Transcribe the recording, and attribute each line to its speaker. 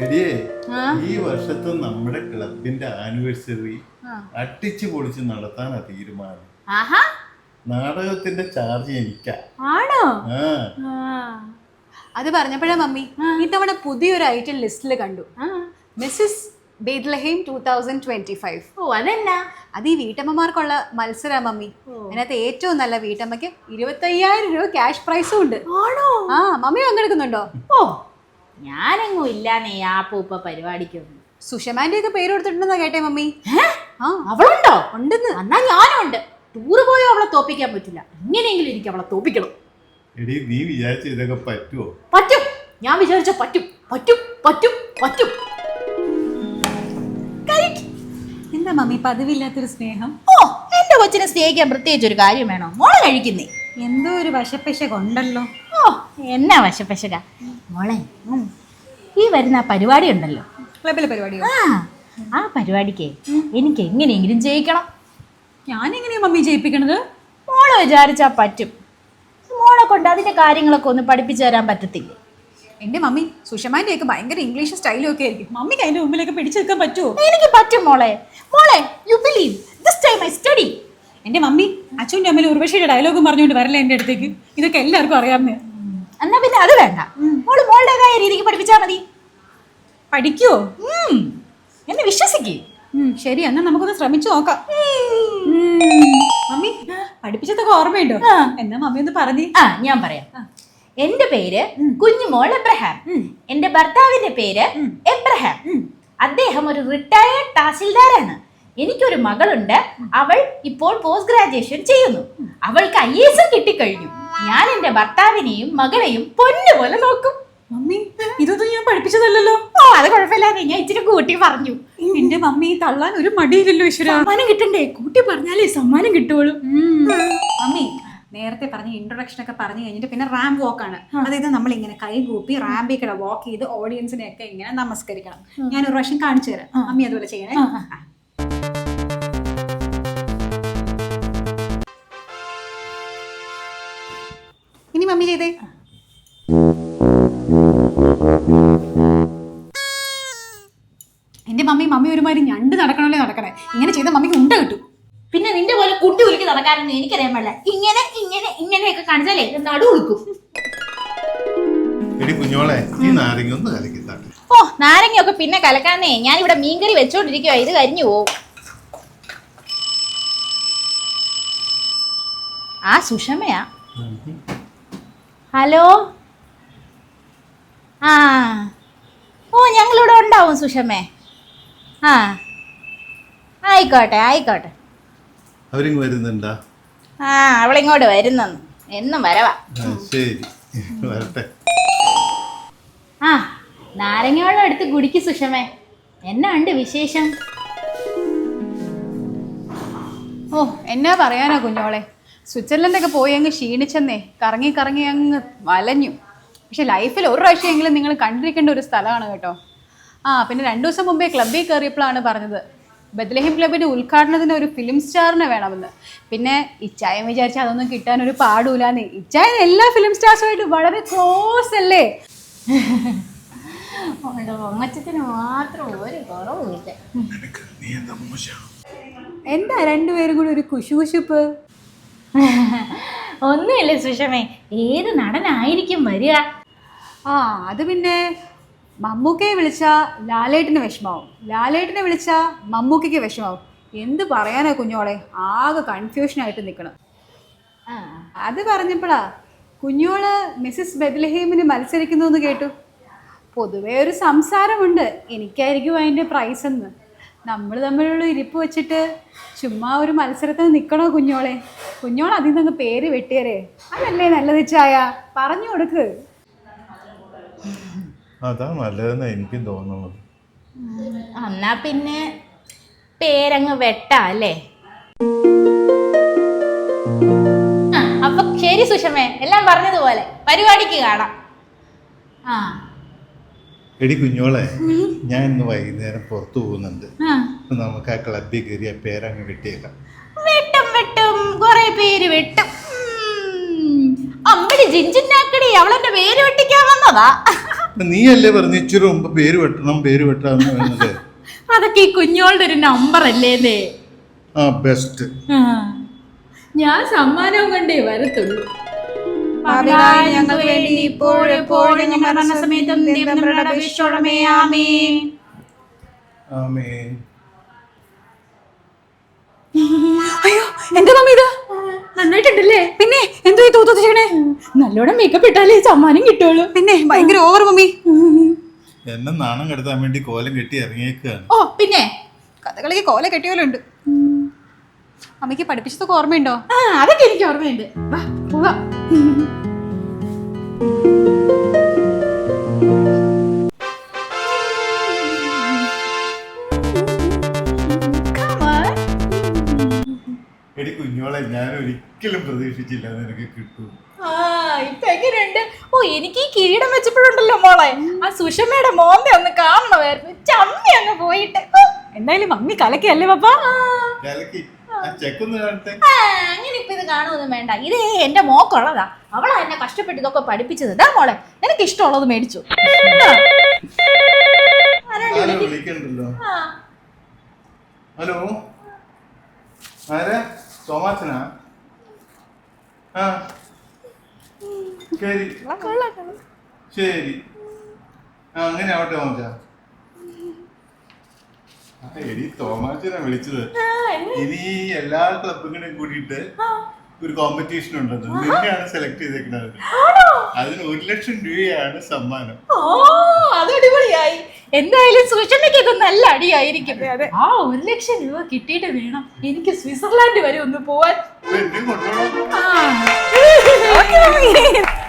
Speaker 1: എടിയേ ഈ വർഷത്തെ നമ്മുടെ ക്ലബിന്റെ ആനിവേഴ്സറി അടിച്ചു പൊളിച്ച് നടത്താനാ തീരുമാനം. നാടകത്തിന്റെ ചാർജ് എനിക്കാ.
Speaker 2: ആണോ?
Speaker 1: ആ
Speaker 2: അത് പറഞ്ഞപ്പോഴാ മമ്മി ഇത്തവണ പുതിയൊരു ഐറ്റം ലിസ്റ്റിൽ കണ്ടു. മിസ്സസ് ബേത്ലഹേം 2025.
Speaker 3: ഓ അതെന്നാ?
Speaker 2: അത് ഈ വീട്ടമ്മമാർക്കുള്ള മത്സരാ മമ്മി. അതിനകത്ത് ഏറ്റവും നല്ല വീട്ടമ്മയ്ക്ക് 25,000 രൂപ ക്യാഷ് പ്രൈസും ഉണ്ട്.
Speaker 3: ആണോ?
Speaker 2: ആ മമ്മി പങ്കെടുക്കുന്നുണ്ടോ?
Speaker 3: ഓ ഞാനെങ്ങും ഇല്ലാന്നേ ആ പൂപ്പ പരിപാടിക്കൊന്നും.
Speaker 2: സുഷമാന്റെ ഒക്കെ പേര് കൊടുത്തിട്ടുണ്ടെന്നാ കേട്ടെ മമ്മി.
Speaker 3: അവളുണ്ടോ?
Speaker 2: ഉണ്ടെന്ന്.
Speaker 3: എന്നാ ഞാനും ഉണ്ട്. ടൂറ് പോയോ അവളെ തോപ്പിക്കാൻ പറ്റില്ല. എങ്ങനെയെങ്കിലും എനിക്ക് അവളെ തോപ്പിക്കണം.
Speaker 1: എടി നീ വിചാരിച്ച ഇതൊക്കെ പറ്റുമോ?
Speaker 3: പറ്റും. ഞാൻ വിചാരിച്ച പറ്റും പറ്റും പറ്റും പറ്റും.
Speaker 2: എന്താ മമ്മി പതിവില്ലാത്തൊരു സ്നേഹം?
Speaker 3: ഓ എന്റെ കൊച്ചിനെ സ്നേഹിക്കാൻ പ്രത്യേകിച്ച് ഒരു കാര്യം വേണോ? മോളെ കഴിക്കുന്നേ
Speaker 2: എന്തോ ഒരു വശപ്പശ കൊണ്ടല്ലോ.
Speaker 3: ഓ എന്നാ വശപ്പശക മോളെ. ഈ വരുന്ന ആ പരിപാടി ഉണ്ടല്ലോ,
Speaker 2: ക്ലബിലെ പരിപാടിയോ?
Speaker 3: ആ പരിപാടിക്ക് എനിക്ക് എങ്ങനെയെങ്കിലും ജയിക്കണം.
Speaker 2: ഞാൻ എങ്ങനെയാ മമ്മി ജയിപ്പിക്കണത്?
Speaker 3: മോളെ വിചാരിച്ചാ പറ്റും. മോളെ കൊണ്ട് അതിന്റെ കാര്യങ്ങളൊക്കെ ഒന്ന് പഠിപ്പിച്ചു തരാൻ പറ്റത്തില്ലേ?
Speaker 2: എന്റെ മമ്മി സുഷമാന്റെ ഒക്കെ ഭയങ്കര ഇംഗ്ലീഷ് സ്റ്റൈലും ഒക്കെ ആയിരിക്കും. മമ്മിക്ക് അതിന്റെ മുമ്പിലൊക്കെ പിടിച്ചു നിൽക്കാൻ പറ്റുമോ?
Speaker 3: എനിക്ക് പറ്റും മോളെ. മോളെ you believe this time I study.
Speaker 2: എന്റെ മമ്മി അച്ഛൻ്റെ അമ്മയിൽ ഉർവശിയുടെ ഡയലോഗും പറഞ്ഞുകൊണ്ട് വരല്ലേ എന്റെ അടുത്തേക്ക്? ഇതൊക്കെ എല്ലാവർക്കും അറിയാവുന്നേ.
Speaker 3: എന്നാ പിന്നെ അത് വേണ്ട. മോള് മോളുടേതായ രീതിക്ക് പഠിപ്പിച്ചാൽ മതി.
Speaker 2: പഠിക്കുവോ?
Speaker 3: എന്നെ വിശ്വസിക്കേ.
Speaker 2: ശരി, എന്നാ നമുക്കൊന്ന് ശ്രമിച്ചു നോക്കാം. മമ്മി പഠിപ്പിച്ചതൊക്കെ ഓർമ്മയുണ്ടോ? എന്നാ മമ്മി ഒന്ന് പറഞ്ഞേ.
Speaker 3: ഞാൻ പറയാം. എന്റെ പേര് കുഞ്ഞുമോൾ എബ്രഹാം. എന്റെ ഭർത്താവിന്റെ പേര് എബ്രഹാം. അദ്ദേഹം ഒരു റിട്ടയർഡ് തഹസിൽദാരാണ്. എനിക്കൊരു മകളുണ്ട്. അവൾ ഇപ്പോൾ പോസ്റ്റ് ഗ്രാജുവേഷൻ ചെയ്യുന്നു. അവൾക്ക് IAS കിട്ടിക്കഴിഞ്ഞു. ഞാൻ എന്റെ ഭർത്താവിനെയും മകളെയും പൊന്നുപോലെ നോക്കും.
Speaker 2: മമ്മി ഇതൊന്നും ഞാൻ പഠിപ്പിച്ചതല്ലോ.
Speaker 3: ഓ അത് കുഴപ്പമില്ലാതെ ഞാൻ ഇച്ചിരി കൂട്ടി പറഞ്ഞു.
Speaker 2: എന്റെ മമ്മി തള്ളാൻ ഒരു മടിയില്ലല്ലോ. ഈശ്വര,
Speaker 3: സമ്മാനം കിട്ടണ്ടേ? കൂട്ടി പറഞ്ഞാലേ സമ്മാനം കിട്ടുള്ളൂ.
Speaker 2: മമ്മി നേരത്തെ പറഞ്ഞ ഇൻട്രൊഡക്ഷൻ ഒക്കെ പറഞ്ഞു കഴിഞ്ഞിട്ട് പിന്നെ റാമ്പ് വോക്ക് ആണ്. അതായത് നമ്മൾ ഇങ്ങനെ കൈ കൂപ്പി റാമ്പിൽ കൂടെ വാക്ക് ചെയ്ത് ഓഡിയൻസിനെ ഒക്കെ ഇങ്ങനെ നമസ്കരിക്കണം. ഞാൻ ഒരു പ്രാവശ്യം കാണിച്ചു തരാം. മമ്മി അതുപോലെ ചെയ്യണേ. ഇനി മമ്മി ചെയ്തേ. എന്റെ മമ്മി ഒരുമാതിരി ഞണ്ട് നടക്കണല്ലേ നടക്കണേ. ഇങ്ങനെ ചെയ്ത മമ്മിക്ക് ഉണ്ട കിട്ടും.
Speaker 3: പിന്നെ നിന്റെ പോലെ കുട്ടി ഉലുക്കി നടക്കാനൊന്നും എനിക്കറിയാൻ പാടില്ല. ഇങ്ങനെ ഇങ്ങനെ ഇങ്ങനെയൊക്കെ കാണിച്ചാലേ നടു ഉളുക്കും.
Speaker 1: എടി കുഞ്ഞോളെ ഈ നാരങ്ങ ഒന്ന് കലക്കിത്താട്ടെ.
Speaker 3: ഓ നാരങ്ങയൊക്കെ പിന്നെ കലക്കാന്നേ. ഞാൻ ഇവിടെ മീൻകറി വെച്ചോണ്ടിരിക്കുവാ. ഇത് കരിഞ്ഞു പോവും. ആ സുഷമയാ. ഹലോ. ആ ഓ ഞങ്ങളിവിടെ ഉണ്ടാവും സുഷമേ. ആയിക്കോട്ടെ ആയിക്കോട്ടെ.
Speaker 1: അവരിങ് വരുന്നുണ്ടാ?
Speaker 3: അവളിങ്ങോട്ട് വരുന്നെന്ന്. എന്നും വരവാ.
Speaker 1: ശരി വരട്ടെ.
Speaker 3: നാരങ്ങ വെള്ളം എടുത്ത് കുടിക്ക് സുഷമേ. എന്നാ ഉണ്ട് വിശേഷം?
Speaker 2: ഓ എന്നാ പറയാനാ കുഞ്ഞോളെ. സ്വിറ്റ്സർലൻഡൊക്കെ പോയി അങ്ങ് ക്ഷീണിച്ചെന്നേ. കറങ്ങി കറങ്ങി അങ്ങ് വലഞ്ഞു. പക്ഷെ ലൈഫിൽ ഒരു പ്രാവശ്യമെങ്കിലും നിങ്ങൾ കണ്ടിരിക്കേണ്ട ഒരു സ്ഥലമാണ് കേട്ടോ. പിന്നെ 2 ദിവസം മുമ്പേ ക്ലബ്ബിൽ കയറിയപ്പോഴാണ് പറഞ്ഞത് ബത്ലഹേം ക്ലബിന്റെ ഉദ്ഘാടനത്തിന് ഒരു ഫിലിം സ്റ്റാറിനെ വേണമെന്ന്. പിന്നെ ഇച്ചായം വിചാരിച്ച അതൊന്നും കിട്ടാൻ ഒരു പാടൂലാന്ന്. ഇച്ചായൻ എല്ലാ ഫിലിം സ്റ്റാർസുമായിട്ട് വളരെ ക്ലോസ് അല്ലേ.
Speaker 3: പൊങ്ങച്ചത്തിന് മാത്രം ഒരു കുറവുമില്ല.
Speaker 2: എന്താ രണ്ടുപേരും കൂടി ഒരു കുശുകുശുപ്പ്?
Speaker 3: ഒന്നുമില്ല സുഷമേ. ഏത് നടനായിരിക്കും വരിക?
Speaker 2: അത് പിന്നെ മമ്മൂക്കയെ വിളിച്ചാൽ ലാലേട്ടിന് വിഷമാവും, ലാലേട്ടിനെ വിളിച്ചാൽ മമ്മൂക്കയ്ക്ക് വിഷമാവും. എന്ത് പറയാനാ കുഞ്ഞോളെ, ആകെ കൺഫ്യൂഷനായിട്ട് നിൽക്കണം. അത് പറഞ്ഞപ്പോഴാ കുഞ്ഞോള് മിസ്സസ് ബെത്ലഹേമിന് മത്സരിക്കുന്നു എന്ന് കേട്ടു. പൊതുവേ ഒരു സംസാരമുണ്ട് എനിക്കായിരിക്കും അതിൻ്റെ പ്രൈസ് എന്ന്. നമ്മൾ തമ്മിലുള്ള ഇരിപ്പ് വെച്ചിട്ട് ചുമ്മാ ഒരു മത്സരത്തിന് നിൽക്കണോ കുഞ്ഞോളെ? കുഞ്ഞോൾ അതിൽ നിന്ന് പേര് വെട്ടിയരേ. അതല്ലേ നല്ലത് ചായ, പറഞ്ഞു കൊടുക്ക്.
Speaker 1: അതാ നല്ലതെന്ന് എനിക്കും തോന്നുന്നത്.
Speaker 3: എന്നാ പിന്നെ പേരങ്ങ് വെട്ടാ അല്ലേ? അപ്പൊ ശരി സുഷമേ, എല്ലാം പറഞ്ഞതുപോലെ പരിപാടിക്ക് കാണാം.
Speaker 1: എടി കുഞ്ഞോളെ ഞാൻ ഇന്ന് വൈകുന്നേരം പുറത്തു പോകുന്നുണ്ട്. നമുക്ക് ആ ക്ലബിൽ കയറി ആ പേരങ്ങ് വെട്ടിയേക്കാം.
Speaker 3: വെട്ടും വെട്ടും കുറെ പേര് വെട്ടും. അമ്പടി ജിഞ്ചിനാക്കടി അവളെന്റെ പേര് വെട്ടിക്കാൻ വന്നതാ.
Speaker 1: നീയല്ലേ പറഞ്ഞു ഇച്ചിരി മുമ്പ് പേര് വെട്ടാന്ന് പറയുന്നത്.
Speaker 3: അതൊക്കെ ഈ കുഞ്ഞോളുടെ ഒരു നമ്പർ അല്ലേന്നേ.
Speaker 1: ആ ബെസ്റ്റ്.
Speaker 3: ഞാൻ സമ്മാനവും കൊണ്ടേ വരത്തുള്ളൂ.
Speaker 2: പാപികളായ ഞങ്ങൾക്ക് വേണ്ടി ഇപ്പോഴും എപ്പോഴും ഞങ്ങളുടെ മരണസമയത്തും ദൈവത്തിന്റെ അപേക്ഷിച്ചോളമേ. ആമേൻ.
Speaker 1: ആമേൻ.
Speaker 2: അയ്യോ എന്റെ മമ്മി ഇത്
Speaker 3: നന്നായിട്ടുണ്ടല്ലേ?
Speaker 2: പിന്നെ എന്തോ ഈ തൂത്തു ചെയ്യണേ?
Speaker 3: നല്ലോണം മേക്കപ്പ് ഇട്ടാലേ സമ്മാനം കിട്ടുള്ളൂ.
Speaker 2: പിന്നെ ഭയങ്കര ഓവർ മമ്മി.
Speaker 1: എന്നെ നാണം കെടുത്താൻ വേണ്ടി കോലം കെട്ടി ഇറങ്ങിയേക്കാണ്.
Speaker 3: ഓ പിന്നെ
Speaker 2: കഥകളിക്ക് കോല കെട്ടിയോലുണ്ട്. അമ്മയ്ക്ക് പഠിപ്പിച്ചതൊക്കെ ഓർമ്മയുണ്ടോ?
Speaker 3: അതൊക്കെ എനിക്ക് ഓർമ്മയുണ്ട്. വാ പോവാം.
Speaker 1: എടി കുഞ്ഞോളെ, ഞാൻ ഒരിക്കലും പ്രതീക്ഷിച്ചില്ല നിനക്ക് കിട്ടും.
Speaker 3: ഇപ്പൊ എങ്ങനെയുണ്ട്? ഓ എനിക്ക് ഈ കിരീടം വെച്ചപ്പോഴുണ്ടല്ലോ മോളെ, ആ സുഷമയുടെ മോന്തെ ഒന്ന് കാണണമായിരുന്നു. ചമ്മി അങ്ങ് പോയിട്ട്.
Speaker 2: എന്തായാലും മമ്മി കലക്കിയല്ലേ പപ്പ?
Speaker 3: അങ്ങനെ ഇപ്പൊ ഇത് കാണുമൊന്നും വേണ്ട. ഇത് എന്റെ മോക്കുള്ളതാ. അവളാ എന്നെ കഷ്ടപ്പെട്ട് ഇതൊക്കെ പഠിപ്പിച്ചത്. ഇതാ മോളെ, നിനക്ക് ഇഷ്ടമുള്ളത് മേടിച്ചു.
Speaker 1: വിളിക്കണ്ടല്ലോ. ഹലോ, ആരാ? തോമാച്ചനാ? ആ ശരി ശരി. ആ അങ്ങനെ ആവട്ടെ തോമാച്ച. എടി തോമാച്ചനാ വിളിച്ചത്. ഇനി എല്ലാ ക്ലബുകളെയും കൂടിയിട്ട് ഒരു കോമ്പറ്റീഷൻ ഉണ്ടെന്ന്. നിന്നെയാണ് സെലക്ട് ചെയ്തേക്കുന്നത്. അതിന് 1 ലക്ഷം രൂപയാണ് സമ്മാനം.
Speaker 3: ഓ അത് അടിപൊളിയായി. എന്തായാലും സുഷമയ്ക്കൊക്കെ നല്ല അടിയായിരിക്കും. ആ 1 ലക്ഷം രൂപ കിട്ടിയിട്ട് വേണം എനിക്ക് സ്വിറ്റ്സർലാൻഡ് വരെ ഒന്ന് പോവാൻ.
Speaker 1: എന്നെ കൊണ്ടുപോകണം.
Speaker 3: ആ